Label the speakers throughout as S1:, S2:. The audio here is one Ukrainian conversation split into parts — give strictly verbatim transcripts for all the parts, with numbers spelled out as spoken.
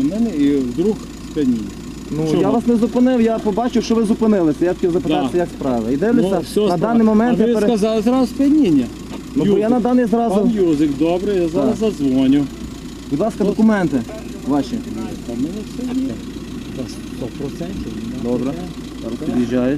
S1: на мене і вдруг сп'яніння.
S2: Ну,
S1: Чому?
S2: я вас не зупинив, я побачив, що ви зупинилися. Я хотів запитатися,
S1: Да.
S2: як справи. І дивлюся,
S1: все
S2: на
S1: справа.
S2: даний момент
S1: А ви
S2: я пере...
S1: сказали зразу сп'яніння.
S2: Ну, бо я на даний зразу...
S1: Пан Юзик, добре, я зараз
S2: Так.
S1: задзвоню.
S2: Будь ласка, документи ваші.
S1: Та в мене все є. Та сто процентів.
S2: Добре. Зараз під'їжджають.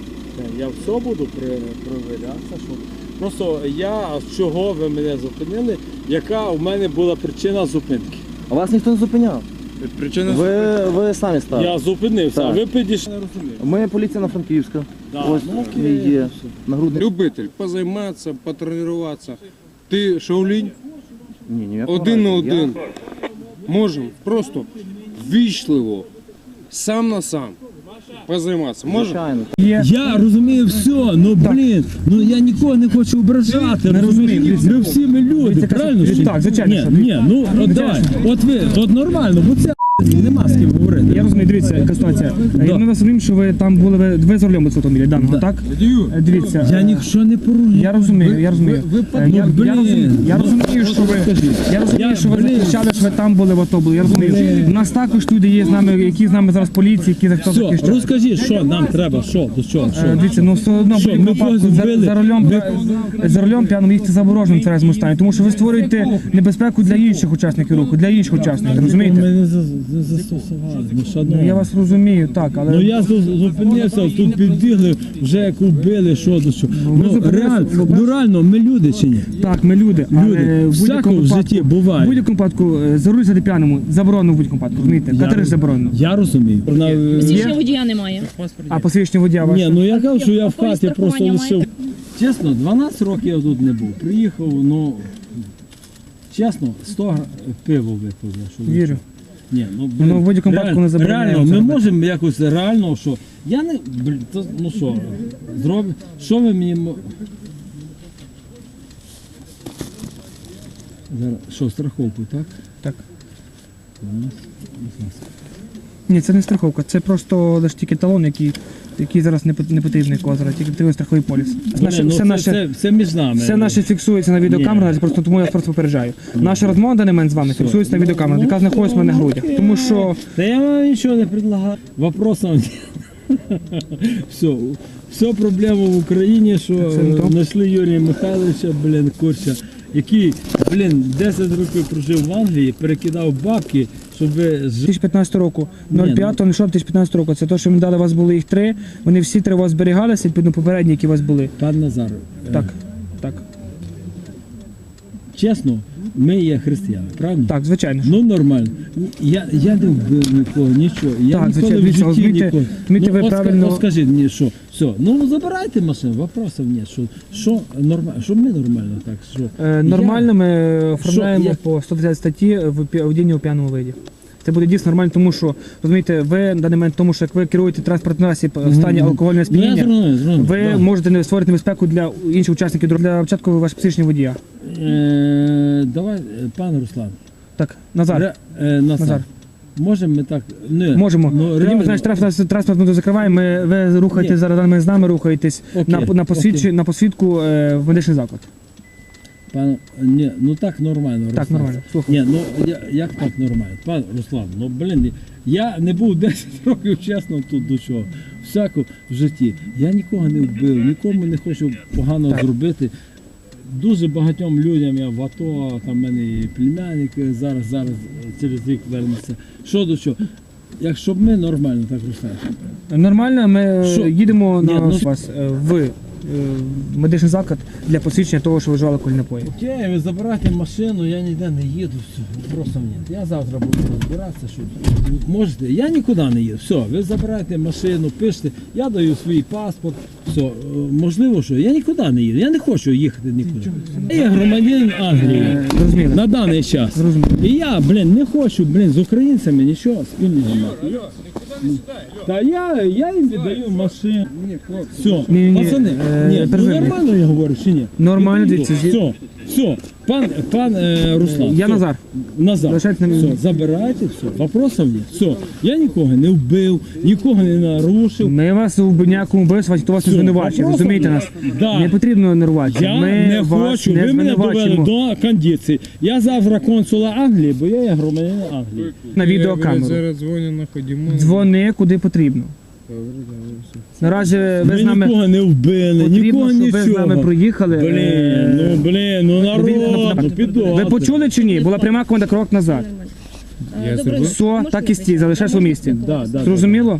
S1: Я все буду перевірятися. Що... Просто я, чого ви мене зупинили, яка у мене була причина зупинки.
S2: А вас ніхто не зупиняв.
S3: Причина
S2: Ви, ви самі стали.
S1: Я зупинився,
S2: Так.
S1: а ви підійшли, не розумію.
S2: Ми поліція на Франківська.
S1: Да,
S2: Ось
S1: ну, окей.
S2: мій є нагрудний.
S3: любитель позайматися, потренуватися. Ти Шаолінь?
S2: Ні, ніякого
S3: Один на
S2: разу.
S3: один. Можемо просто ввічливо, сам на сам позайматися.
S2: Я,
S3: Можемо?
S2: звичайно.
S4: Я розумію все, ну блін, ну я нікого не хочу ображати, розумієш? Ми всі ми люди, правильно?
S5: Дивіться, так, звичайно,
S4: Ні,
S5: що-
S4: ні, ну от давай, от ви, от нормально, бо це нема з ким говорити.
S5: Я розумію, дивіться, яка ситуація. Ми вас розуміємо, що ви там були, ви, ви за рулем у цього автомобіля даного, так? Е, Дивіться.
S4: Я
S5: е,
S4: нічого не порушую.
S5: Я розумію, я розумію.
S4: Ви, ви,
S5: Е, я,
S4: ну,
S5: я, розумію,
S4: блін,
S5: я
S4: ну,
S5: розумію, що ви, я розумію,
S4: Я,
S5: що ви
S4: блін.
S5: захищали, що ви там були в АТО були, я розумію. У нас також люди є з нами, які з нами зараз поліції, які за хто
S4: Все,
S5: захищає.
S4: розкажіть, що нам треба, що, до чого,
S5: Е,
S4: що?
S5: Дивіться, ну все одно в
S4: Що,
S5: будь-якому
S4: ми когось
S5: випадку за,
S4: вбили?
S5: за рулем
S4: Ми-
S5: за рулем п'яним їхати заборожним в тверезому стані, тому що ви створюєте небезпеку для інших учасників руху, для інших учасників,
S4: Ми
S5: розумієте?
S4: не за- не застосували, ну, шановні.
S5: Ну, я вас розумію, так, але
S4: Ну я зу- зупинився, тут підбігли, вже як убили, що до що. Ну
S5: зупинилися,
S4: реально,
S5: ну,
S4: ну реально, ми люди чи ні?
S5: так, ми люди,
S4: Люди.
S5: але в
S4: Всяко
S5: будь-якому
S4: в житті
S5: випадку,
S4: буває.
S5: в будь-якому випадку е, за руль сяти п'яному заборонено в будь-якому випадку, розумієте? Категорично заборонено.
S4: Я розумію. Вона, е,
S6: Посвідчення водія немає.
S5: А посвідчення водія ваше?
S4: Ні, ну я кажу, що я в
S6: А
S4: хаті
S6: поліс
S4: просто
S6: страхування
S4: лишив. Чесно, дванадцять років я тут не був. Приїхав, ну чесно, сто гра- пиво випив. я, що ви
S5: Вірю.
S4: що. Ні, ну, блін,
S5: Ну, в будь-якому випадку не забороняємо
S4: реально,
S5: це
S4: ми
S5: робити.
S4: можемо якось реально, що я не блін, то, ну що, зроб... що ви мені мо- зараз, що, страховку, так?
S5: Так.
S4: Ну,
S5: Ні, це не страховка, це просто лише тільки талон, який, який зараз не, пот- не потрібний кого зараз, тільки потрібен страховий поліс. Це, наше,
S4: блін, ну,
S5: все,
S4: це,
S5: наше,
S4: це, це між нами.
S5: все наше фіксується на відеокамерах, просто тому я вас просто попереджаю. Наша розмова на даний момент з вами фіксується на відеокамерах, яка знаходиться в мене на грудях. Тому що
S4: Да я вам ничего не предлагаю. Вопросов нет. Все, все проблема в Україні, що
S5: Це не то.
S4: знайшли Юрія Михайловича, блін, Курча, який, блін, десять років прожив в Англії, перекидав бабки, щоб ви
S5: дві
S4: з...
S5: тисячі п'ятнадцятого року,
S4: Ні, ну-
S5: п'ятого дві тисячі п'ятнадцятого року, це те, що ми дали, у вас були їх три, вони всі три у вас зберігалися, відповідно попередні, які у вас були.
S4: Пан Назар, е,
S5: Так, так,
S4: чесно, ми є християни, правильно?
S5: так, звичайно.
S4: Ну нормально. Я, я не вбив нікого, нічого. Я
S5: Так,
S4: ніколи
S5: звичайно,
S4: в
S5: дивіться,
S4: житті
S5: розумієте,
S4: ніколи.
S5: розумієте, ви
S4: от, ска-
S5: правильно-
S4: от скажіть мені, що, все, ну забирайте машину, вопросів нет. Що, що нормально, що ми нормально так, що?
S5: Е, Нормально ми оформляємо
S4: я-
S5: по сто тридцять статті в пі- водіння у п'яному виді. Це буде дійсно нормально, тому що, розумієте, ви на даний момент, тому що як ви керуєте транспортним засіб в стані алкогольного
S4: Ну, я
S5: сп'яніння,
S4: зрозумів, зрозумів,
S5: ви
S4: да.
S5: можете не створити небезпеку для інших учасників дорожнього- для початку ваше посвідчення водія.
S4: Е, давай, е, пан Руслан.
S5: Так, Назар,
S4: Ре, е, Назар.
S5: Назар.
S4: Можемо ми так. Не,
S5: можемо.
S4: Ну,
S5: Тоді ми,
S4: реально.
S5: значить, транспорт, транспорт ми закриваємо, ми, ви рухаєтесь
S4: Ні.
S5: зараз, ми з нами рухаєтесь
S4: Окей,
S5: на, на, посвідчі,
S4: окей.
S5: на посвідку е, в медичний заклад.
S4: Пан, ні, ну так нормально.
S5: Так,
S4: Руслан.
S5: нормально, слухаю.
S4: Ні, ну я, як так нормально? Пан Руслан, ну блін, я не був десять років, чесно, тут до чого. Всяко в житті. Я нікого не вбив, нікому не хочу погано
S5: Так.
S4: зробити. Дуже багатьом людям я в АТО, там в мене і племянник зараз, зараз через рік вернеться. Що до чого? Якщо б ми нормально, так Руслан.
S5: Нормально, ми
S4: Що?
S5: їдемо
S4: Ні,
S5: на
S4: ну-
S5: вас е, в е, медичний заклад для посвідчення того, що ви вживали алкогольні напої.
S4: Окей, ви забирайте машину, я ніде не їду, все, просто ні. Я завтра буду розбиратися, що можете. Я нікуди не їду. Все, ви забирайте машину, пишете, я даю свій паспорт, все, е, можливо, що я нікуди не їду. Я не хочу їхати нікуди. Я є громадянин Англії
S5: Е, Зрозуміло.
S4: на даний час.
S5: Зрозуміло.
S4: І я, блін, не хочу, блін, з українцями нічого спільного мати. Та я, я їм віддаю машину. Все,
S5: Ні, ні,
S4: пацани,
S5: е,
S4: ні, ну
S5: перерви.
S4: нормально я говорю чи ні?
S5: Нормально,
S4: Не
S5: дивіться,
S4: все, Все, пан, пан е, Руслан.
S5: Я
S4: все.
S5: Назар.
S4: Назар.
S5: Залишайте на
S4: Все,
S5: мені.
S4: забирайте, все. Вопросов нет. Все. Я нікого не вбив, нікого не нарушив.
S5: Ми вас у ніякому вбивстві, хто вас не
S4: Все,
S5: звинувачує,
S4: вопросов
S5: розумієте
S4: нет.
S5: нас?
S4: Да.
S5: Не потрібно нервувати.
S4: Я
S5: Ми
S4: не
S5: вас
S4: хочу,
S5: не
S4: ви мене довели
S5: звинувачуємо.
S4: до кондиції. Я завтра консула Англії, бо я є громадянин Англії.
S5: На відеокамеру.
S3: Зараз дзвоню на ходімо.
S5: Дзвони куди потрібно. Наразі ви
S4: Ми
S5: з нами
S4: нікого не вбили, нікого
S5: потрібно, щоб ви з
S4: нічого.
S5: нами проїхали.
S4: Блін,
S5: Е,
S4: ну блін, ну народ, ну піду.
S5: Ви почули чи ні? Була пряма команда крок назад.
S3: Я зробив.
S5: Все, так і стій, залишайся у місті.
S4: Да, да,
S5: Зрозуміло?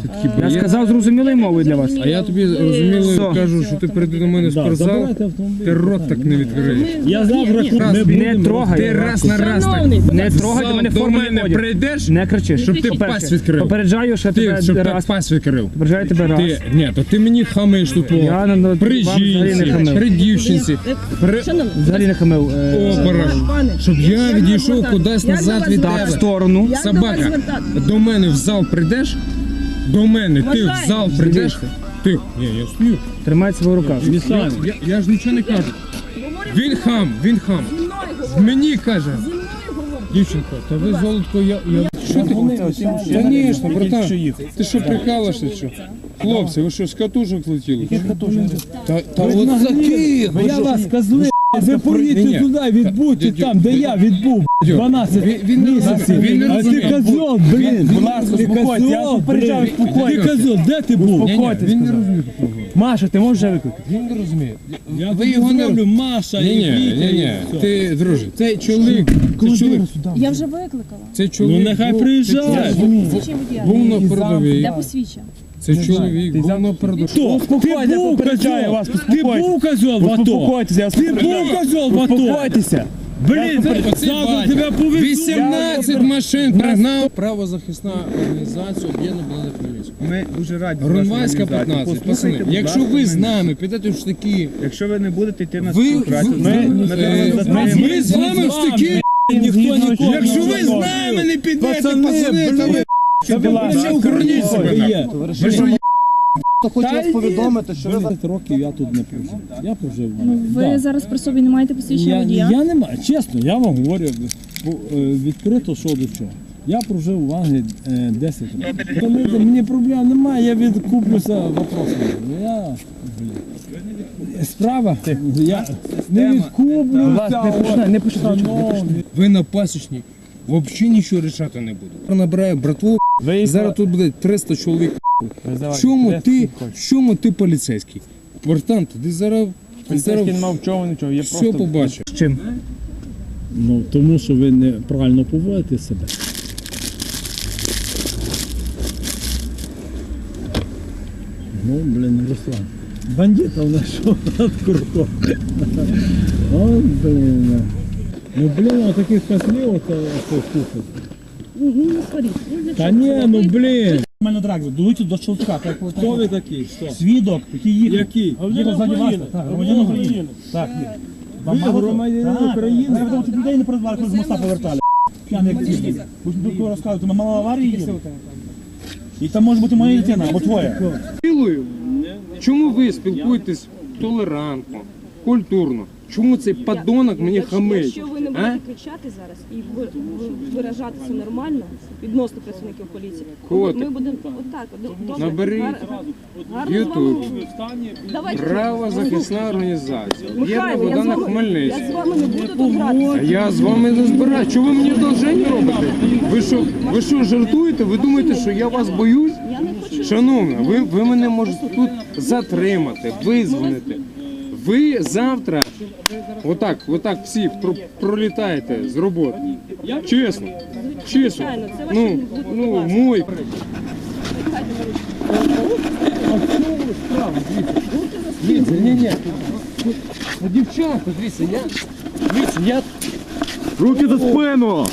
S5: Я сказав зрозумілою мовою для вас.
S3: А я тобі розуміло
S5: Все.
S3: кажу, що ти прийди до мене в
S4: Да,
S3: спортзал,
S4: забирайте автомобіль.
S3: ти рот так не відкриєш.
S4: Я завтра
S6: Ні, ні.
S4: ми
S5: Не
S4: будемо
S5: трогай.
S3: Ти раз на раз так.
S6: Шановний, будь
S5: Не
S6: ласка,
S5: трогай, до мене
S3: До
S5: форму не
S3: мене
S5: ходять.
S3: прийдеш,
S5: Не кричи.
S3: щоб ти
S5: Перше,
S3: пасть відкрив.
S5: Попереджаю, що
S3: Ти,
S5: тебе
S3: щоб так
S5: раз.
S3: пасть відкрив.
S5: Попереджаю тебе раз.
S3: Ти, ні, то ти мені хамиш тут по
S5: Я на- на-
S3: при
S5: вам взагалі не
S3: жінці,
S5: хамив.
S3: при дівчинці, при
S6: Шановний,
S5: Взагалі не хамив. Е,
S3: опорах.
S6: пане,
S3: Щоб я
S6: як
S3: відійшов
S6: звертатись?
S3: кудись
S6: Як
S3: назад
S6: до вас
S3: від
S5: Так, в
S3: тебе.
S5: сторону.
S6: Як до вас
S3: Собака,
S6: звертатись?
S3: до мене в зал прийдеш, до мене ти в
S6: Вважаю.
S3: зал прийдеш, ти, ні, я стою.
S5: Тримай себе в руках.
S3: Я, я, я ж нічого не кажу. Він хам, він хам.
S6: Зі мною говори.
S3: Мені каже,
S6: Зі мною говори.
S3: дівчинка, та ви золотко, я, я... Що ти? Звісно, братан. Ти що, прикалишся, що? Хлопці, ви що, з катушок летіли? Та, та от таких!
S4: Я вас козли, ви
S3: Ні,
S4: поїдьте
S3: ні.
S4: туди, відбудьте
S3: Дядю,
S4: там, де я відбув
S3: Дядю,
S4: дванадцять
S3: він- він не
S4: місяців.
S3: розуміє, він не
S4: А ти
S3: розуміє.
S4: козьол, блін.
S3: Будь ласка,
S4: Ти
S3: успокойтесь, я
S4: козьол,
S3: попереджаю,
S4: блін.
S3: успокойтесь.
S4: Ти козьол, де ти був?
S3: Ні, ні, він не розуміє.
S4: Маша, ти можеш викликати?
S3: Він не розуміє.
S4: Я
S3: Ви
S4: тобі
S3: його не
S4: зроблю, Маша
S3: Ні,
S4: і
S3: ні,
S4: Вітя,
S3: ні,
S4: і
S3: ні.
S4: все.
S3: Ти, друже, цей чоловік, цей чоловік,
S6: Я вже викликала.
S3: цей
S4: Ну
S3: чоловік.
S4: нехай
S3: був-
S4: приїжджає.
S6: Посвідчення водія.
S3: Був на передовій.
S6: Де посвідчення?
S3: Цей чоловік був на передовій.
S4: Хто? Ти був козьол, ти був козьол в АТО. Ти був козьол в АТо. Успокойтеся. Блін,
S3: Оцей
S4: завтра
S3: батя.
S4: тебе повезуть.
S3: вісімнадцять машин пригнав. Правозахисна організація об'єднана Білоцерківська.
S7: Ми дуже раді.
S3: Гронвайська п'ятнадцять. Пацани, якщо ви з нами підете в штики,
S7: Якщо ви не будете йти на
S3: ви,
S7: співпрацю,
S3: ви-
S7: ми,
S3: е,
S7: ми,
S3: е, ми з вами в штики.
S4: Ніхто нікого.
S3: Якщо ви з нами не підете,
S4: Пацани,
S3: пацани, то ви
S4: Та ви
S3: ще охороніть себе.
S4: є.
S3: Ви що,
S2: Хто хоче вас повідомити, що ви
S4: двадцять років я тут не прожив. Я прожив.
S6: Ну, ви
S4: Да.
S6: зараз при собі не маєте посвідчення
S4: Я,
S6: водія?
S4: я не маю, чесно, я вам говорю бо, е, відкрито, що до чого. Я прожив в Англії е, десять років. Тому мені проблем немає, я відкуплюся вопросами. Ну, Я, блін. Справа, я не відкуплюся.
S2: не починайте.
S4: Шановні.
S3: ви на пасічні взагалі нічого рішати не будете. Набираю братву, зараз тут буде триста чоловік. В чому ти, в чому ти поліцейський? Братан, ти зараз, ти зараз
S7: не мав чого нічого. Я
S3: все побачив.
S5: З чим?
S4: Ну, тому що ви неправильно поводите себе. Ну, блін, Руслан. Бандита знайшов над курком. О, блін. Ну, блін, отаких козлів, ото, ото, слухай.
S6: Ну, ну, не сваріть. Ну, для
S4: Та
S6: чого?
S4: ні, ну, блін.
S8: Нормально драк, дують до щелчка. Так,
S4: Хто ви такий? Що?
S8: свідок, який їхав.
S4: Який?
S8: Їхав ззаді вас. Так, громадянин України. Так, ні.
S4: Ви громадянин України?
S8: Я видав, що людей не передбали, коли з моста повертали. П'яний як ці. Ви ж тут розказуєте, ми мало аварії їде. І там може бути моя дитина, або твоя.
S3: Цілую. Чому ви спілкуєтесь толерантно, культурно? Чому цей подонок мені
S9: Якщо-
S3: хамить?
S9: Якщо ви не
S3: А?
S9: будете кричати зараз і ви- ви- виражатися нормально відносно працівників поліції,
S3: Котик.
S9: ми будемо отак. от, добре,
S3: Наберіть
S9: гар- гарно з вами
S3: YouTube.
S9: говорити. Давайте.
S3: Правозахисна організація. Є
S9: Михайло, я з
S3: Богдана
S9: вами-
S3: Хмельницька.
S9: Я з вами не буду тут гратися.
S3: А я з вами не збираю. Чого ви мені одолження робите? Ви що, ви що жартуєте? Ви думаєте, що я вас боюсь?
S9: Я не хочу.
S3: Шановна, ви, ви мене можете тут затримати, визвонити. Ви завтра отак, отак всі про- пролітаєте з роботи. Чесно. Чесно.
S9: Звичайно, це ваші
S3: Ну,
S9: будуть
S3: ну,
S9: власні.
S3: мой. Дивіться, ні, ні. Ну, дівчата, дивіться, я. Дивіться, я.
S2: Руки за спину!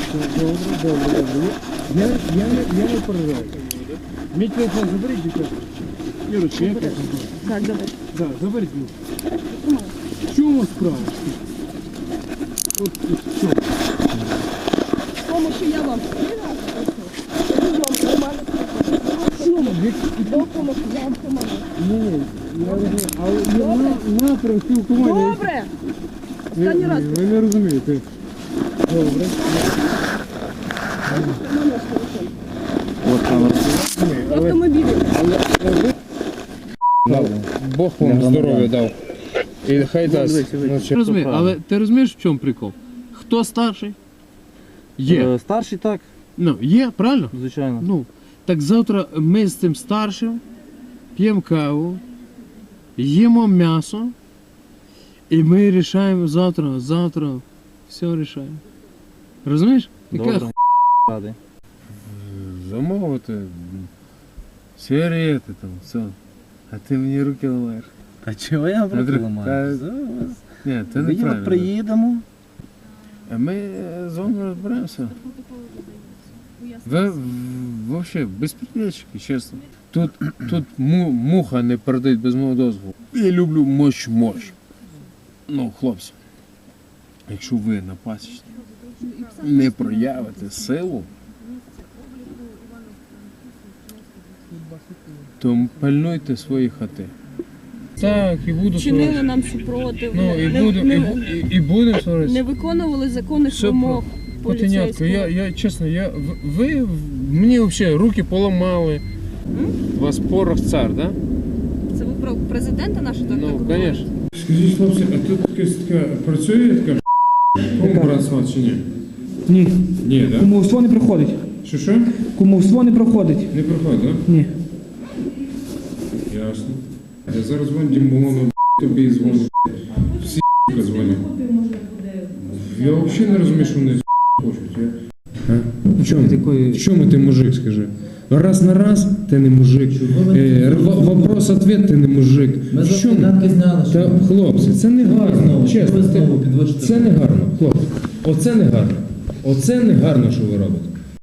S3: Я, я, не- я не переживаю. Мій телефон заберіть, дівчата. Ірочка, я так.
S9: Так, добре.
S3: Да, заберіть мені. В чому справа? От, в чому?
S9: Тому що я вам сказала, що ви вам нормально допомогти, я вам допомогу.
S3: Ні, я розумію, але на, напрям спілкування.
S9: Добре! Останній раз.
S3: Ви не розумієте. Добре.
S2: От камера.
S9: В автомобілі.
S3: Бог вам здоров'я дав. І хай дасть. Ну, розумію, але ти розумієш, в чому прикол? Хто старший? Є.
S2: Е, Старший так,
S3: Ну, є, правильно?
S2: звичайно.
S3: Ну, так завтра ми з цим старшим п'ємо каву, їмо м'ясо, і ми рішаємо завтра, завтра все рішаємо. Розумієш?
S2: Добре.
S3: Яка
S2: Радий.
S3: замовити сигарети там, все. А ти мені руки ламаєш.
S2: Та чого я
S3: Та-
S2: руки ламаю?
S3: Ні, це
S2: Ми
S3: неправильно.
S2: приїдемо.
S3: А ми з вами розберемося. Ви взагалі безпредельщики, чесно. Тут, тут му, муха не передають без мого дозволу. Я люблю мощ-мощ. Ну, хлопці, якщо ви на пасічні не проявите силу, то пальнуйте свої хати. Так, і буду
S9: Чинили нам супротив.
S3: Ну, і
S9: не,
S3: будемо,
S9: не,
S3: і, і, і будемо сваритися.
S9: не виконували законних
S3: Все
S9: вимог
S3: Котенятко,
S9: поліцейського.
S3: я, я чесно, я, в- ви в- мені взагалі руки поламали. У вас порох цар, да?
S9: Це ви про президента нашого так
S3: Ну,
S9: говорите?
S3: звісно. Скажіть, хлопці, а тут якась така працює така кому братство чи ні?
S5: Ні.
S3: Ні, так? Да?
S5: Кумовство не проходить.
S3: Що що?
S5: Кумовство не проходить.
S3: Не проходить, так?
S5: Ні.
S3: Да? Ясно. Я зараз дзвоню Дімону, тобі і дзвоню. Всі дзвонять. Я взагалі не розумію, що вони хочуть. Я... А? В чому?
S5: Такої-
S3: В чому ти мужик, скажи? Раз на раз ти не мужик. Е, Вопрос-ответ ти не мужик. В чому? Та, хлопці, це не гарно. Чесно, це, це не гарно, хлопці. Оце не гарно. Оце не гарно, що ви робите.